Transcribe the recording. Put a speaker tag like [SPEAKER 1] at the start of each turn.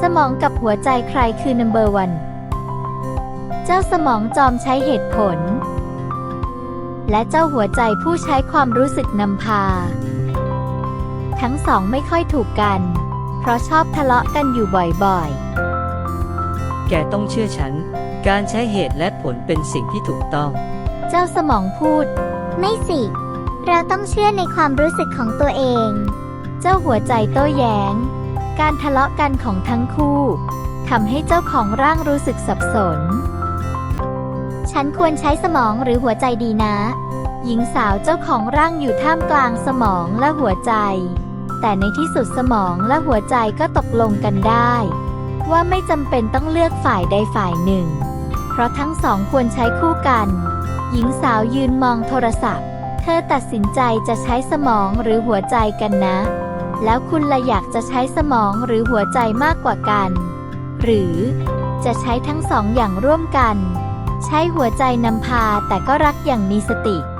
[SPEAKER 1] สมองกับหัวใจใครคือนัมเบอร์วันเจ้าสมองจอมใช้เหตุผลและเจ้าหัวใจผู้ใช้ความรู้สึกนำพาทั้งสองไม่ค่อยถูกกันเพราะชอบทะเลาะกันอยู่บ่อย
[SPEAKER 2] แกต้องเชื่อฉันการใช้เหตุและผลเป็นสิ่งที่ถูกต้อง
[SPEAKER 1] เจ้าสมองพูดไม่สิเราต้องเชื่อในความรู้สึกของตัวเองเจ้าหัวใจโต้แย้งการทะเลาะกันของทั้งคู่ทำให้เจ้าของร่างรู้สึกสับสนฉันควรใช้สมองหรือหัวใจดีนะหญิงสาวเจ้าของร่างอยู่ท่ามกลางสมองและหัวใจแต่ในที่สุดสมองและหัวใจก็ตกลงกันได้ว่าไม่จำเป็นต้องเลือกฝ่ายใดฝ่ายหนึ่งเพราะทั้งสองควรใช้คู่กันหญิงสาวยืนมองโทรศัพท์เธอตัดสินใจจะใช้สมองหรือหัวใจกันนะแล้วคุณล่ะอยากจะใช้สมองหรือหัวใจมากกว่ากันหรือจะใช้ทั้งสองอย่างร่วมกันใช้หัวใจนำพาแต่ก็รักอย่างมีสติ